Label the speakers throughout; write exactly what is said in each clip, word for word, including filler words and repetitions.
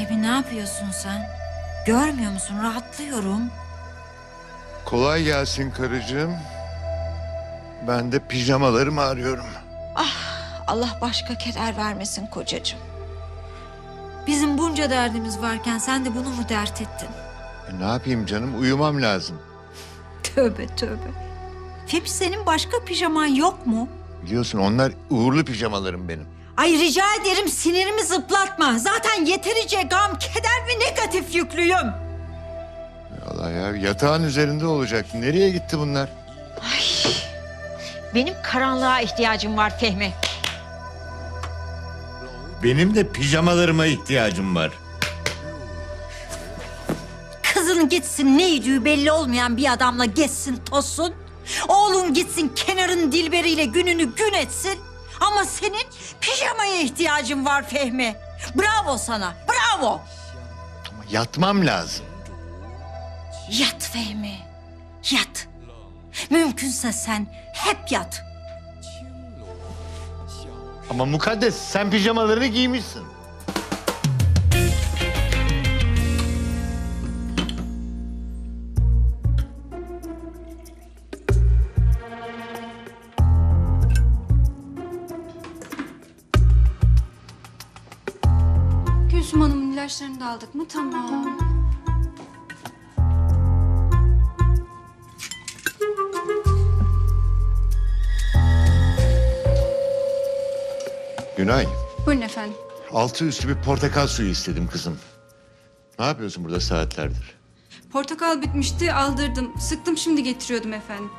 Speaker 1: Fehmi ne yapıyorsun sen? Görmüyor musun? Rahatlıyorum.
Speaker 2: Kolay gelsin karıcığım. Ben de pijamalarımı arıyorum.
Speaker 1: Allah başka keder vermesin kocacığım. Bizim bunca derdimiz varken sen de bunu mu dert ettin?
Speaker 2: E, ne yapayım canım? Uyumam lazım.
Speaker 1: Tövbe tövbe. Fehmi senin başka pijaman yok mu?
Speaker 2: Biliyorsun onlar uğurlu pijamalarım benim.
Speaker 1: Ay rica ederim sinirimi zıplatma. Zaten yeterince gam, keder ve negatif yüklüyüm.
Speaker 2: Allah ya, yatağın üzerinde olacaktı. Nereye gitti bunlar?
Speaker 1: Ay, benim karanlığa ihtiyacım var Fehmi.
Speaker 2: Benim de pijamalarıma ihtiyacım var.
Speaker 1: Kızın gitsin ne yediği belli olmayan bir adamla gezsin tozsun. Oğlun gitsin kenarın dilberiyle gününü gün etsin. Ama senin pijamaya ihtiyacın var Fehmi. Bravo sana, bravo.
Speaker 2: Ama yatmam lazım.
Speaker 1: Yat Fehmi, yat. Mümkünse sen hep yat.
Speaker 2: Ama mukaddes sen pijamalarını giymişsin.
Speaker 3: Gülsüm Hanım'ın ilaçlarını da aldık mı? Tamam.
Speaker 2: Günay,
Speaker 3: Buyurun efendim.
Speaker 2: altı üstü bir portakal suyu istedim kızım. Ne yapıyorsun burada saatlerdir?
Speaker 3: Portakal bitmişti, aldırdım. Sıktım, şimdi getiriyordum efendim.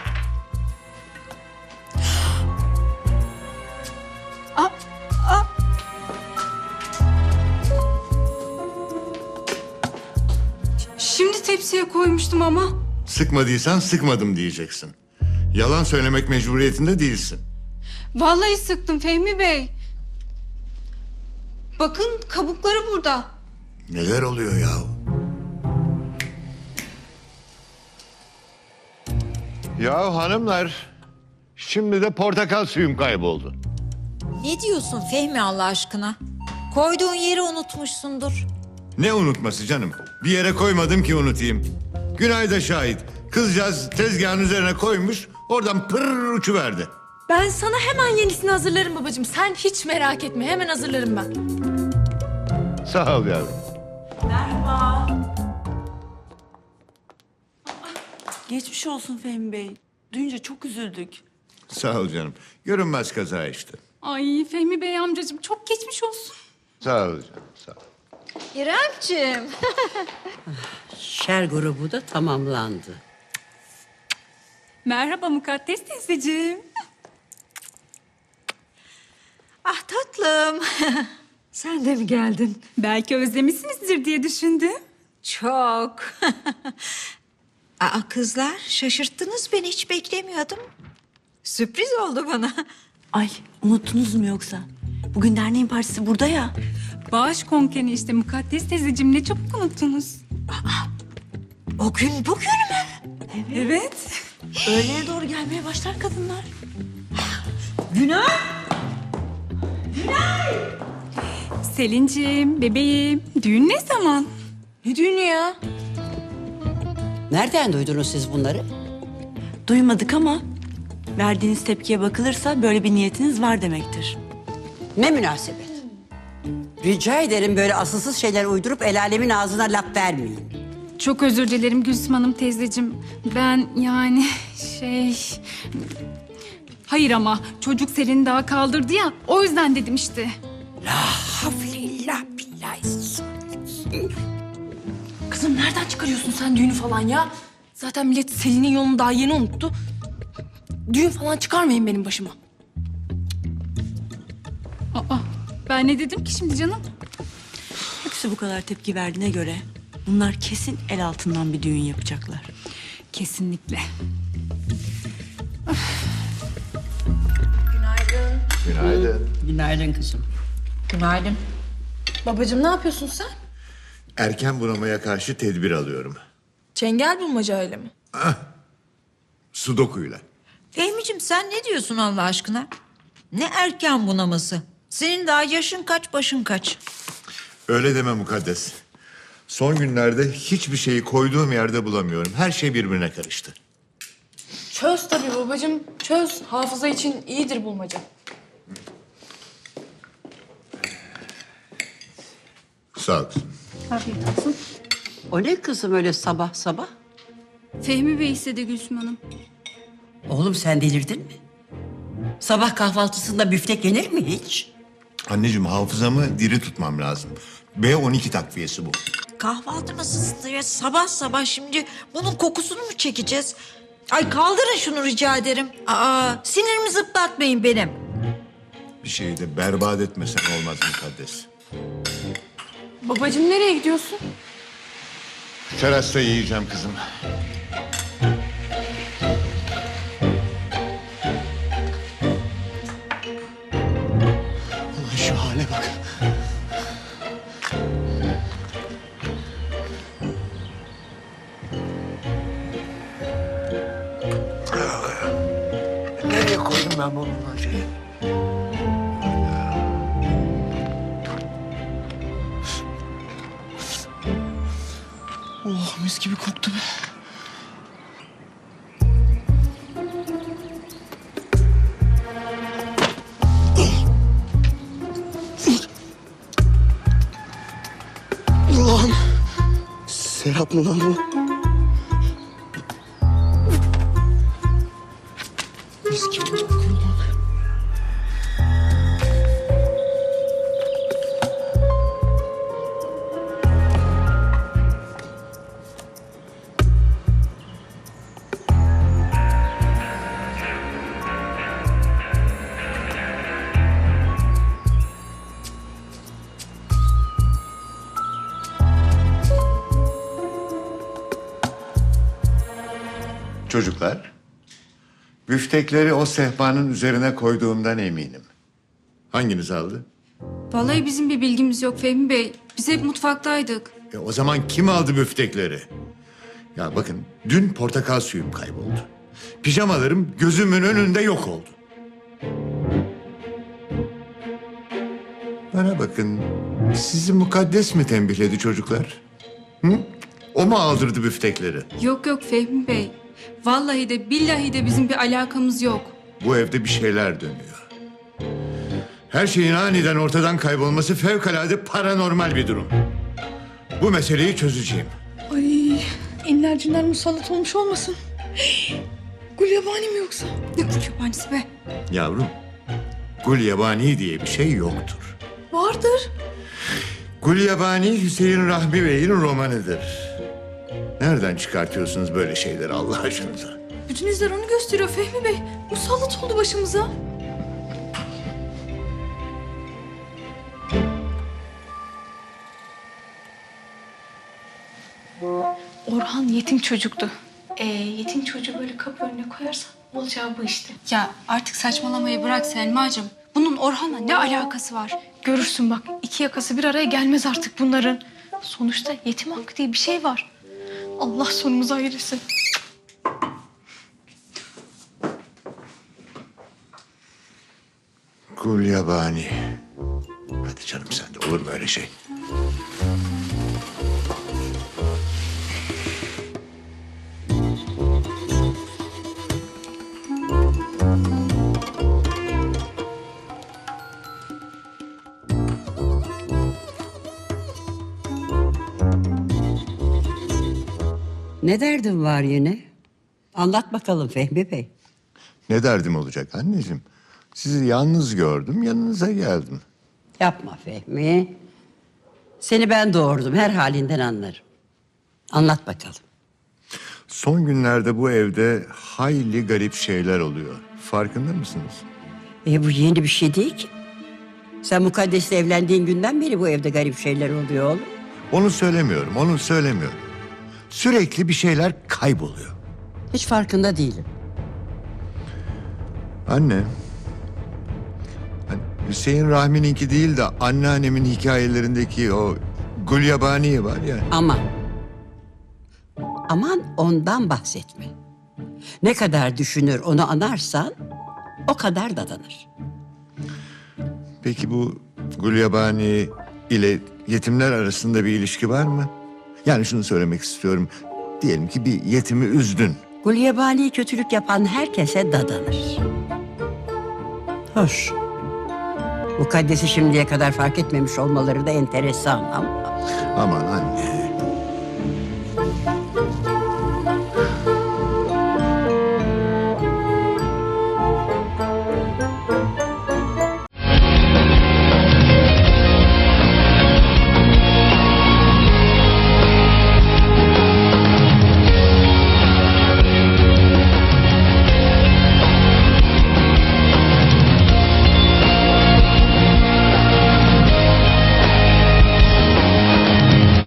Speaker 3: Aa, aa. Şimdi tepsiye koymuştum ama.
Speaker 2: Sıkmadıysan sıkmadım diyeceksin. Yalan söylemek mecburiyetinde değilsin.
Speaker 3: Vallahi sıktım Fehmi Bey. Bakın kabukları burada.
Speaker 2: Neler oluyor ya? Ya hanımlar, şimdi de portakal suyum kayboldu.
Speaker 1: Ne diyorsun Fehmi Allah aşkına? Koyduğun yeri unutmuşsundur.
Speaker 2: Ne unutması canım? Bir yere koymadım ki unutayım. Günay da şahit. Kızcağız tezgahın üzerine koymuş, oradan pırr uçuverdi.
Speaker 4: Ben sana hemen yenisini hazırlarım babacığım. Sen hiç merak etme. Hemen hazırlarım ben.
Speaker 2: Sağ ol yavrum.
Speaker 5: Geçmiş olsun Fehmi Bey. Duyunca çok üzüldük.
Speaker 2: Sağ ol canım. Görünmez kaza işte.
Speaker 3: Ay Fehmi Bey amcacığım çok geçmiş olsun.
Speaker 2: Sağ ol canım, sağ ol.
Speaker 1: İremciğim.
Speaker 6: Şer grubu da tamamlandı.
Speaker 3: Merhaba Mukaddes teyzeciğim.
Speaker 1: Ah tatlım. Sen de mi geldin?
Speaker 3: Belki özlemişsinizdir diye düşündüm.
Speaker 1: Çok. Aa kızlar şaşırttınız beni hiç beklemiyordum. Sürpriz oldu bana.
Speaker 5: Ay unuttunuz mu yoksa? Bugün derneğin partisi burada ya.
Speaker 3: Bağış konkeni işte Mukaddes teyzeciğim ne çabuk unuttunuz.
Speaker 1: O gün bugün mü?
Speaker 3: Evet.
Speaker 5: Öğlene doğru gelmeye başlar kadınlar.
Speaker 1: Günah.
Speaker 3: Selin'ciğim, bebeğim düğün ne zaman?
Speaker 5: Ne düğünü ya?
Speaker 6: Nereden duydunuz siz bunları?
Speaker 5: Duymadık ama verdiğiniz tepkiye bakılırsa böyle bir niyetiniz var demektir.
Speaker 6: Ne münasebet. Rica ederim böyle asılsız şeyler uydurup el alemin ağzına laf vermeyin.
Speaker 3: Çok özür dilerim Gülsüm Hanım teyzeciğim. Ben yani şey... Hayır ama çocuk Selin'i daha kaldırdı ya o yüzden dedim işte.
Speaker 6: Haflillah billahi.
Speaker 4: Kızım nereden çıkarıyorsun sen düğünü falan ya? Zaten millet Selin'in yolunu daha yeni unuttu. Düğün falan çıkarmayın benim başıma.
Speaker 3: Aa, ben ne dedim ki şimdi canım?
Speaker 5: Hepsi bu kadar tepki verdiğine göre bunlar kesin el altından bir düğün yapacaklar.
Speaker 3: Kesinlikle.
Speaker 2: Günaydın.
Speaker 6: Günaydın kızım.
Speaker 1: Günaydın.
Speaker 4: Babacığım ne yapıyorsun sen?
Speaker 2: Erken bunamaya karşı tedbir alıyorum.
Speaker 4: Çengel bulmaca öyle mi?
Speaker 2: Sudokuyla.
Speaker 1: Fehmiciğim sen ne diyorsun Allah aşkına? Ne erken bunaması? Senin daha yaşın kaç başın kaç?
Speaker 2: Öyle deme Mukaddes. Son günlerde hiçbir şeyi koyduğum yerde bulamıyorum. Her şey birbirine karıştı.
Speaker 4: Çöz tabii babacığım, çöz. Hafıza için iyidir bulmaca.
Speaker 2: Sağ ol kızım.
Speaker 3: Afiyet olsun.
Speaker 6: O ne kızım öyle sabah sabah?
Speaker 3: Fehmi Bey istedi Gülsüm Hanım.
Speaker 6: Oğlum sen delirdin mi? Sabah kahvaltısında büftek yenir mi hiç?
Speaker 2: Anneciğim hafızamı diri tutmam lazım. B on iki takviyesi bu.
Speaker 1: Kahvaltı masasında ya sabah sabah şimdi bunun kokusunu mu çekeceğiz? Ay kaldırın şunu rica ederim. Aa, sinirimi zıplatmayın benim.
Speaker 2: Bir şeyi de berbat etmesen olmaz Mukaddes.
Speaker 4: Babacığım nereye gidiyorsun?
Speaker 2: Terasta yiyeceğim kızım.
Speaker 7: Ulan şu hale bak. Nereye koydum ben bu bulmacayı? Oh mis gibi koktu be. Ulan Serap mı lan bu? Mis gibi kokuyor lan.
Speaker 2: Çocuklar, büftekleri o sehpanın üzerine koyduğumdan eminim. Hanginiz aldı?
Speaker 3: Vallahi bizim bir bilgimiz yok Fehmi Bey. Biz hep mutfaktaydık.
Speaker 2: E o zaman kim aldı büftekleri? Ya bakın, dün portakal suyum kayboldu. Pijamalarım gözümün önünde yok oldu. Bana bakın, sizi Mukaddes mi tembihledi çocuklar? Hı? O mu aldırdı büftekleri?
Speaker 3: Yok yok Fehmi Bey. Vallahi de billahi de bizim bir alakamız yok.
Speaker 2: Bu evde bir şeyler dönüyor. Her şeyin aniden ortadan kaybolması fevkalade paranormal bir durum. Bu meseleyi çözeceğim.
Speaker 4: Ay, inler cinler musallat olmuş olmasın? Gül yabani mi yoksa?
Speaker 3: Ne kütüphanesi be?
Speaker 2: Yavrum, Gulyabani diye bir şey yoktur.
Speaker 4: Vardır.
Speaker 2: Gulyabani Hüseyin Rahmi Bey'in romanıdır. Nereden çıkartıyorsunuz böyle şeyleri Allah aşkınıza?
Speaker 4: Bütün izler onu gösteriyor Fehmi Bey. Musallat oldu başımıza. Orhan yetim çocuktu. Ee, yetim çocuğu böyle kapı önüne koyarsan olacağı bu işte.
Speaker 3: Ya artık saçmalamayı bırak Selma'cığım. Bunun Orhan'la ne alakası var?
Speaker 4: Görürsün bak, iki yakası bir araya gelmez artık bunların. Sonuçta yetim hakkı diye bir şey var. Allah sonumuzu ayırsın.
Speaker 2: Gulyabani. Hadi canım sen de olur mu öyle şey?
Speaker 6: Ne derdin var yine? Anlat bakalım Fehmi Bey.
Speaker 2: Ne derdim olacak anneciğim? Sizi yalnız gördüm, yanınıza geldim.
Speaker 6: Yapma Fehmi. Seni ben doğurdum, her halinden anlarım. Anlat bakalım.
Speaker 2: Son günlerde bu evde hayli garip şeyler oluyor. Farkında mısınız?
Speaker 6: E bu yeni bir şey değil ki. Sen Mukaddes'le evlendiğin günden beri bu evde garip şeyler oluyor oğlum.
Speaker 2: Onu söylemiyorum, onu söylemiyorum. Sürekli bir şeyler kayboluyor.
Speaker 6: Hiç farkında değilim.
Speaker 2: Anne, hani Hüseyin Rahmi'ninki değil de anneannemin hikayelerindeki o Gulyabani var ya.
Speaker 6: Aman. Aman ondan bahsetme. Ne kadar düşünür onu anarsan o kadar dadanır.
Speaker 2: Peki bu Gulyabani ile yetimler arasında bir ilişki var mı? Yani şunu söylemek istiyorum. Diyelim ki bir yetimi üzdün.
Speaker 6: Gulyabani kötülük yapan herkese dadanır. Hoş. Mukaddes'i şimdiye kadar fark etmemiş olmaları da enteresan ama...
Speaker 2: Aman anne.